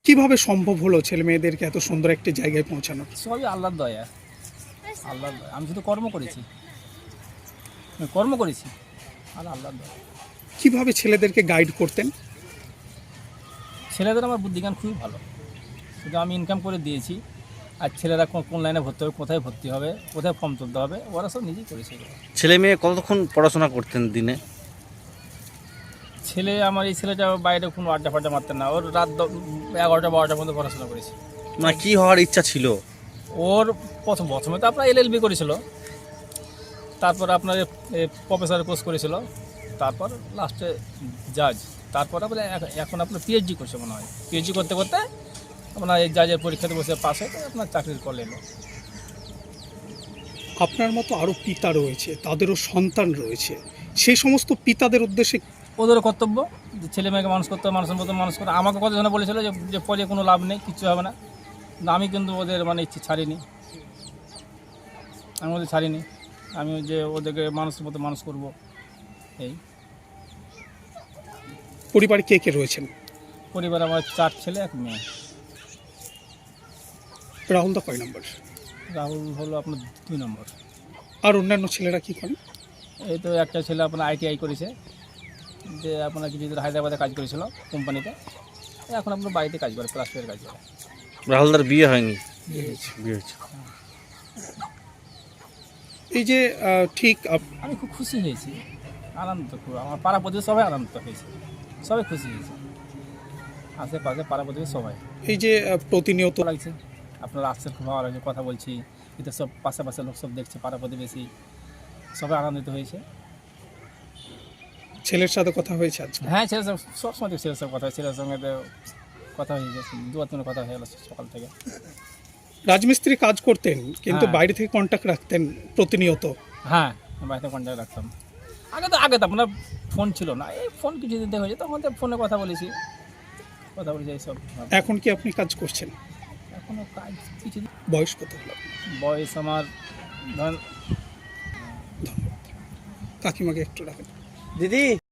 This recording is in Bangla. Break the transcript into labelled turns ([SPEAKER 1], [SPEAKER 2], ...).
[SPEAKER 1] কিভাবে সম্ভব হলো ছেলে মেয়েদেরকে এত সুন্দর একটি জায়গায় পৌঁছানো?
[SPEAKER 2] সবই আল্লাহর দয়া। আল্লাহর দয়া। আমি শুধু কর্ম করেছি আর আল্লাহর দয়া।
[SPEAKER 1] কিভাবে ছেলেদেরকে গাইড করতেন?
[SPEAKER 2] ছেলেদের আমার বুদ্ধিজ্ঞান খুবই ভালো, শুধু আমি ইনকাম করে দিয়েছি। আর ছেলেরা কোন লাইনে ভর্তি হবে, কোথায় ভর্তি হবে, কোথায় ফর্ম তুলতে হবে, ওরা সব নিজেই করেছে।
[SPEAKER 3] ছেলে মেয়ে কতক্ষণ পড়াশোনা করতেন দিনে?
[SPEAKER 2] আমার এই ছেলেটা বাইরে কোনো আড্ডা ফাড্ডা মারতেন না, ওর রাত 11টা 12টা পর্যন্ত পড়াশোনা করেছে।
[SPEAKER 3] মানে কি হওয়ার ইচ্ছা ছিল
[SPEAKER 2] ওর প্রথমে তো আপনার LLB করেছিল, তারপর আপনার প্রফেসর কোর্স করেছিল, তারপর লাস্টে জাজ, তারপর আপনার এখন আপনার PhD করছে মনে হয়। PhD করতে করতে আপনার এই জাজের পরীক্ষাতে বসে পাস হয়ে আপনার চাকরির কল এলো।
[SPEAKER 1] আপনার মতো আরও পিতা রয়েছে, তাদেরও সন্তান রয়েছে, সেই সমস্ত পিতাদের উদ্দেশ্যে
[SPEAKER 2] ওদেরও কর্তব্য যে ছেলে মেয়েকে মানুষ করতে হবে, মানুষের মতো মানুষ করে। আমাকে কতজন বলেছিল যে পরে কোনো লাভ নেই, কিচ্ছু হবে না, কিন্তু আমি কিন্তু ওদের ইচ্ছে ছাড়িনি। আমি যে ওদেরকে মানুষের মতো মানুষ করব। এই
[SPEAKER 1] পরিবারে কে কে রয়েছেন?
[SPEAKER 2] পরিবার আমার 4 ছেলে 1 মেয়ে।
[SPEAKER 1] রাহুল দা কয় নম্বর?
[SPEAKER 2] রাহুল হলো আপনার 2 নম্বর।
[SPEAKER 1] আর অন্যান্য ছেলেরা কি করেন?
[SPEAKER 2] এই তো একটা ছেলে আপনার ITI করেছে, যে আপনার কিছুদিন হায়দ্রাবাদে কাজ করেছিল কোম্পানিতে, এখন আপনার বাড়িতে কাজ করে, প্লাস্টারের কাজ করে।
[SPEAKER 3] রাহুলদার বিয়ে হয়নি?
[SPEAKER 2] বিয়ে হয়েছে।
[SPEAKER 3] বিয়ে হয়েছে।
[SPEAKER 1] এই যে ঠিক
[SPEAKER 2] আমি খুব খুশি হয়েছি, আনন্দ খুব। আমার পাড়া প্রতিবেশী সবাই আনন্দ হয়েছে, সবাই খুশি হয়েছে, আশেপাশে পাড়া প্রতিবেশী সবাই।
[SPEAKER 1] এই যে প্রতিনিয়ত
[SPEAKER 2] ভালো লাগছে, আপনারা আসছেন, খুব ভালো লাগছে, কথা বলছি, এতে সব পাশাপাশি লোক সব দেখছে, পাড়া প্রতিবেশী সবাই আনন্দিত হয়েছে।
[SPEAKER 1] ছেলের সাথে কথা হয়েছে আজকে?
[SPEAKER 2] হ্যাঁ, ছেলের সব সবসময় ছেলের সঙ্গে কথা হয়, ছেলের সঙ্গে তো কথা হয়ে গেছে, 2-3 কথা হয়ে গেল সকাল থেকে।
[SPEAKER 1] রাজমিস্ত্রি কাজ করতেন, কিন্তু
[SPEAKER 2] হ্যাঁ।
[SPEAKER 1] বাইরে থেকে কন্ট্যাক্ট রাখতেন প্রতিনিয়ত।
[SPEAKER 2] হ্যাঁ, বাড়িতে কন্ট্যাক্ট রাখতাম। আগে তো আপনার ফোন ছিল না, এই ফোন কিছুদিন থেকে হয়েছে, তখন তো ফোনে কথা বলেছি এইসব।
[SPEAKER 1] এখন কি আপনি কাজ করছেন?
[SPEAKER 2] এখনও কাজ কিছু।
[SPEAKER 1] বয়স কত হলো?
[SPEAKER 2] বয়স আমার ধরেন।
[SPEAKER 1] কাকিমাকে একটু রাখেন।
[SPEAKER 3] দিদি